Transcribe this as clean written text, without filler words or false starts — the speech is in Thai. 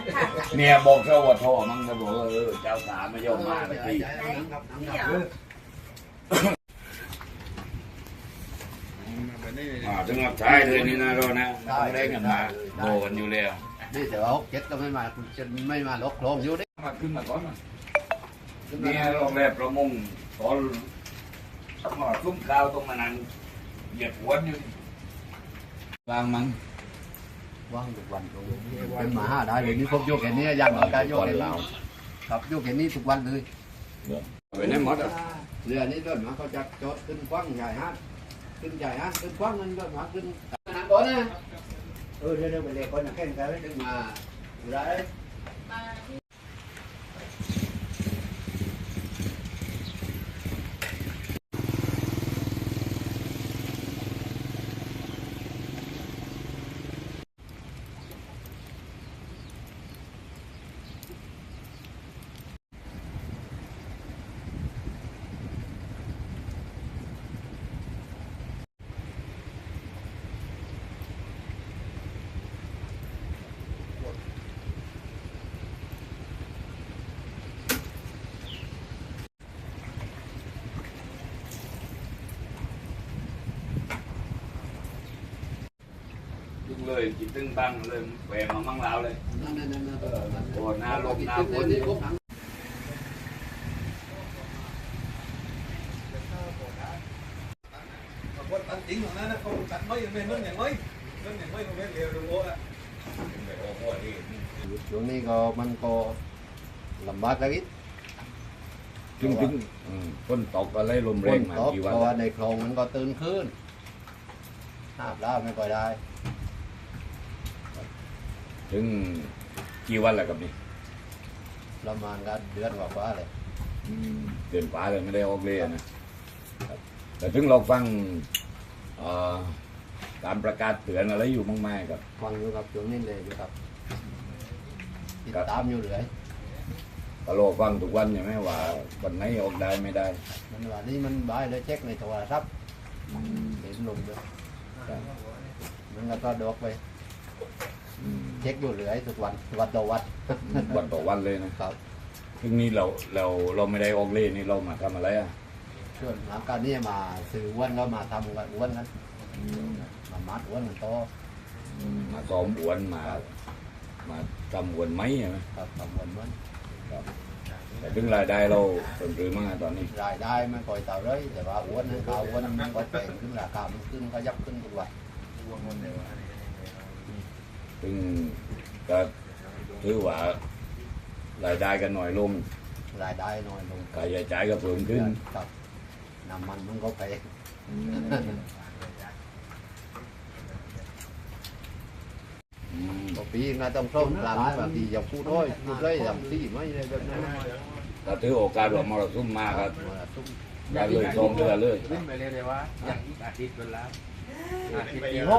เนี่ยบอกเจ้าว่าท่อมั้งจะบอกเจ้าสาไม่ยอมมาเลยทีถึงกับใช้เลยนี่นะเรานะต้องเล่นกันมาโดกันอยู่แล้วนี่แต่ว่าเจ็ดก็ไม่มาจะไม่มาล็อกโครงอยู่ดิมาขึ้นมาก่อนเนี่ยโรงแรมประมงตอนซุ้มข้าวตรงมานั่งเหยียบหัวอยู่วางมั้งว่างทุกวันเป็นหมาได้เลยนี่พบโยกแค่นี้ยังการโยกแค่นี้ครับโยกแค่นี้ทุกวันเลยไปไหนหมดอ่ะเรือนี้ต้นมาเขาจะจอดขึ้นกว้างใหญ่ฮะขึ้นใหญ่ฮะขึ้นกว้างนั่นก็มาขึ้นนั่งก่อนนะเดี๋ยวไปเลยก่อนนะแข่งกันเลยดึงมาอยู่ได้เลยจิตตึงบังเลยแหวมามั่งแล้วเลยโอ้หน้าลมหน้าฝนคนตันจริงของนั้นนะเขาตัดไม่ยังไม่เมื่ออย่างไม่เมื่ออย่างไม่เขาไม่เร็วดูโอ้อะช่วงนี้ก็มันก็ลำบากสักนิดจึงฝนตกอะไรลมแรงมากี่วันเพราะว่าในคลองมันก็ตื่นขึ้นหาปลาไม่ค่อยได้ถึงกี่วันแล้วกับนี่ประมาณกันเดือนกว่าเลยเดือนกว่าเลยไม่ได้ออกเลยนะแต่ถึงเราฟังการประกาศเตือนอะไรอยู่มากมายครับฟังอยู่ครับช่วงนี้เลยอยู่ครับติดตามอยู่เลยก็รอฟังทุกวันใช่ไหมว่าวันไหนออกได้ไม่ได้มันว่านี่มันบ่ายเลยเช็คในโทรศัพท์เห็นลงด้วยมันก็ดอกไปเช็คอยู่เลยทุกวันวันต่อวันวันต่อวันเลยนะครับถึงนี้เราไม่ได้ออกเล่นี่เรามาทำอะไรอ่ะช่วงหลังการนี้มาซื้ออ้วนก็มาทำกันอ้วนนั้นมามัดอ้วนมันโตมาซ้อมอ้วนมาทำอ้วนไหมใช่ไหมครับทำอ้วนมันครับแต่ถึงรายได้เราเพิ่มขึ้นมากตอนนี้รายได้มันคอยเต่าเลยแต่ว่าอ้วนนั้นเขาอ้วนมันก็แพงขึ้นราคามันขึ้นก็ยับขึ้นทุกวันซึ่งก็ถือว่ารายได้กันหน่อยลงรายได้น้อยลงค่าใช้จ่ายก็เพิ่มขึ้นครับน้ำมันก็แพงปีน่าต้องส่งหลังบางทีอย่างพูดด้วยอย่างที่ไม่ได้แบบนั้นก็ถือโอกาสว่ามรสุมมากครับได้เลยซ้อมเรือเลยไปเรียกได้ว่าอย่างอีกอาทิตย์เป็นแล้วอาทิตย์